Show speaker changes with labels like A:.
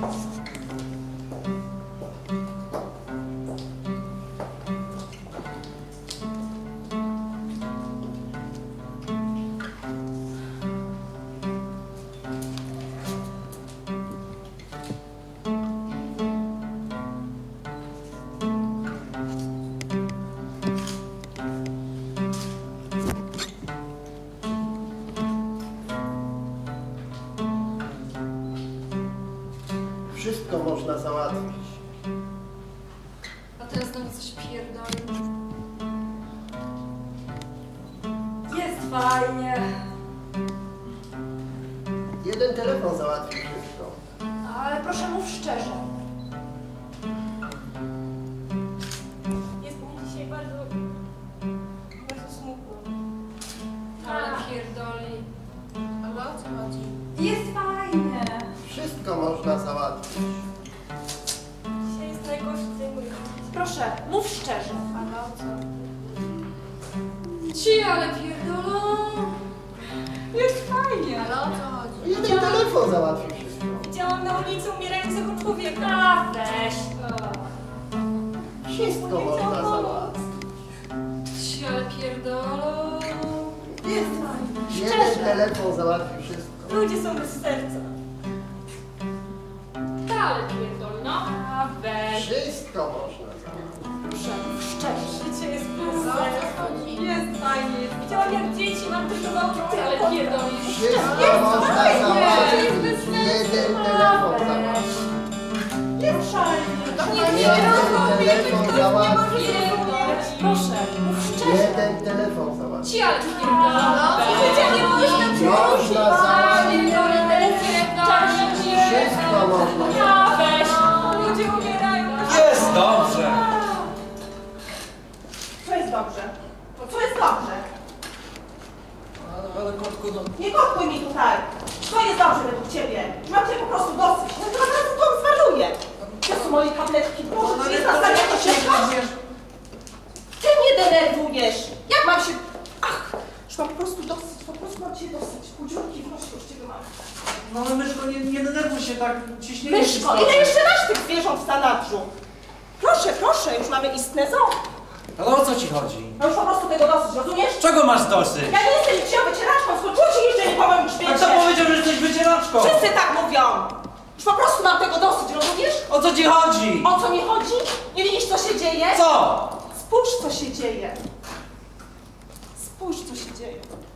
A: Wszystko można załatwić.
B: A teraz znowu coś pierdoli.
C: Jest fajnie.
A: Jeden telefon załatwi wszystko.
C: Ale proszę mów szczerze.
D: Jest mi dzisiaj bardzo smutno.
B: Ale pierdoli.
D: Ale o co chodzi?
C: Jest fajnie.
A: Wszystko można załatwić.
D: Dzisiaj jest najgorszy dzień mój.
C: Proszę, mów szczerze.
D: Ale o co?
B: Ci, ale pierdolą.
C: Jest fajnie.
D: Ale o co chodzi?
A: Jeden telefon załatwi wszystko.
D: Widziałam na ulicy umierającego człowieka.
C: A, weź.
A: Wszystko można załatwić.
B: Ci, ale pierdolą.
C: Jest fajnie.
A: Jeden telefon załatwi wszystko.
D: Ludzie są bez serca.
B: Ale pierdoli, no.
C: A, weź.
A: Wszystko można załatwić.
C: Proszę, mów szczerze.
D: Życie jest bez serca.
C: Jest fajnie.
D: Widziałam jak dzieci maltretowały
B: Ale
D: tylko.
B: pierdoli.
A: Wszystko można załatwić. Jeden telefon załatwi.
C: Jest fajnie.
A: Jeden telefon załatwi.
C: Proszę, mów szczerze.
A: Jeden telefon załatwi.
B: Ci, ale pierdolą.
D: Życie nie można
A: Można załatwić.
B: Pierdoli,
A: Wszystko można.
C: A, weź.
D: Ludzie umierają.
E: Jest dobrze!
F: Co jest dobrze? Co jest dobrze?
E: Ale kotku, no...
F: Nie kotkuj mi tutaj! Co jest dobrze według ciebie? Mam cię po prostu dosyć. Ja teraz to zwariuję. To są moje tabletki. Boże, czy jest na stanie to się Ty mnie denerwujesz! Jak mam się... Ach! Już mam po prostu dosyć. Po prostu mam cię dosyć. Kudziurki w nosie już ciebie mam.
E: No ale myszko, nie denerwuj się tak, ciśnienie
F: Myszko, ile jeszcze masz tych zwierząt w zanadrzu? Proszę, proszę, już mamy istne zoo.
E: Ale o co ci chodzi?
F: No już po prostu tego dosyć, rozumiesz?
E: Czego masz dosyć?
F: Ja nie jestem niczyją wycieraczką, skończyło się jeszcze nie powiem już
E: A
F: wiecie.
E: kto powiedział, że jesteś wycieraczką?
F: Wszyscy tak mówią! Już po prostu mam tego dosyć, rozumiesz?
E: O co ci chodzi?
F: O co mi chodzi? Nie widzisz, co się dzieje?
E: Co?
F: Spójrz, co się dzieje. Spójrz, co się dzieje.